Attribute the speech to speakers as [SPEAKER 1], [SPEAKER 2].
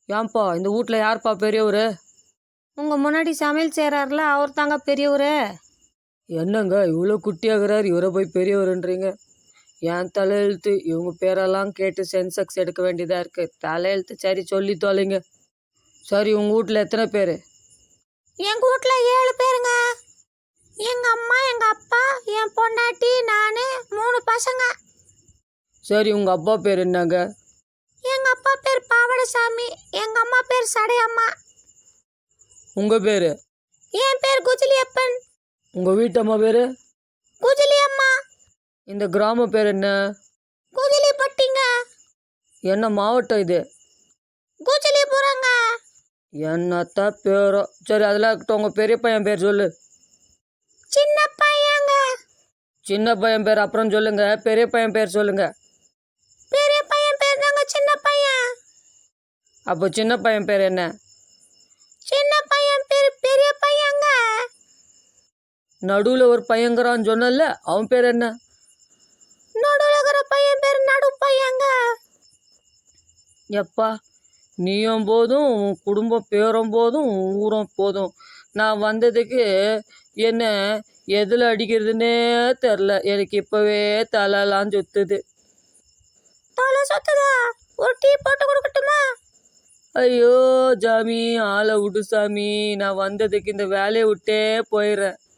[SPEAKER 1] ஏன்பா இந்த வீட்டில் யார்ப்பா பெரியவர்?
[SPEAKER 2] உங்கள் முன்னாடி சமையல் செய்கிறாருல அவர் தாங்க பெரியவர்.
[SPEAKER 1] என்னங்க இவ்வளோ குட்டியாகிறார், இவரை போய் பெரியவருன்றீங்க? என் தலையெழுத்து, இவங்க பேரெல்லாம் கேட்டு சென்செக்ஸ் எடுக்க வேண்டியதாக இருக்குது. தலையெழுத்து சரி சொல்லி தொலைங்க. சரி, உங்கள் வீட்டில் எத்தனை பேர்?
[SPEAKER 2] எங்கள் வீட்டில் 7 பேருங்க. எங்கள் அம்மா, எங்கள் அப்பா, என் பொண்டாட்டி, நான், 3 பசங்க.
[SPEAKER 1] சரி, உங்கள் அப்பா பேர் என்னங்க?
[SPEAKER 2] எங்கள் அப்பா பேர் பாவடசாமி, எங்கள் அம்மா பேர் சடையம்மா.
[SPEAKER 1] உங்கள் பேர்?
[SPEAKER 2] என் பேர் குஜிலியப்பன்.
[SPEAKER 1] உங்கள் வீட்டம்மா பேர்?
[SPEAKER 2] குஜிலியம்மா.
[SPEAKER 1] இந்த கிராம பேர் என்ன?
[SPEAKER 2] குஜிலிப்பட்டிங்க.
[SPEAKER 1] என்ன மாவட்டம் இது?
[SPEAKER 2] குஜிலிபுரங்க.
[SPEAKER 1] என்னத்தான் பேரோ. சரி, அதெல்லாம் இருக்கட்டும். உங்கள் பெரிய பையன் பேர் சொல்லு.
[SPEAKER 2] சின்ன பையங்க.
[SPEAKER 1] சின்ன பையன் பேர் அப்புறம் சொல்லுங்க, பெரிய பையன் பேர் சொல்லுங்க.
[SPEAKER 2] பெரிய பையன் பேர் தாங்க சின்ன பையன்.
[SPEAKER 1] அப்போ சின்ன பையன் பேர் என்ன?
[SPEAKER 2] சின்ன பையன் பேர் பெரிய பையங்க.
[SPEAKER 1] நடுவில் ஒரு பையங்கிறான்னு சொன்னல, அவன் பேர் என்ன?
[SPEAKER 2] நடுவில் இருக்கிற பையன் பேர் நடு பையங்க.
[SPEAKER 1] எப்பா, நீயும் போதும், உன் குடும்பம் பேரும் போதும், உன் ஊரும் போதும். நான் வந்ததுக்கு என்ன எதில் அடிக்கிறதுனே தெரில. எனக்கு இப்போவே தலைலாம் சுத்துது.
[SPEAKER 2] தலை சுத்துதா? ஒரு டீ போட்டு கொடுக்கட்டுமா?
[SPEAKER 1] ஐயோ சாமி, ஆளை விடு சாமி. நான் வந்ததுக்கு இந்த வேலையை விட்டே போயிடுறேன்.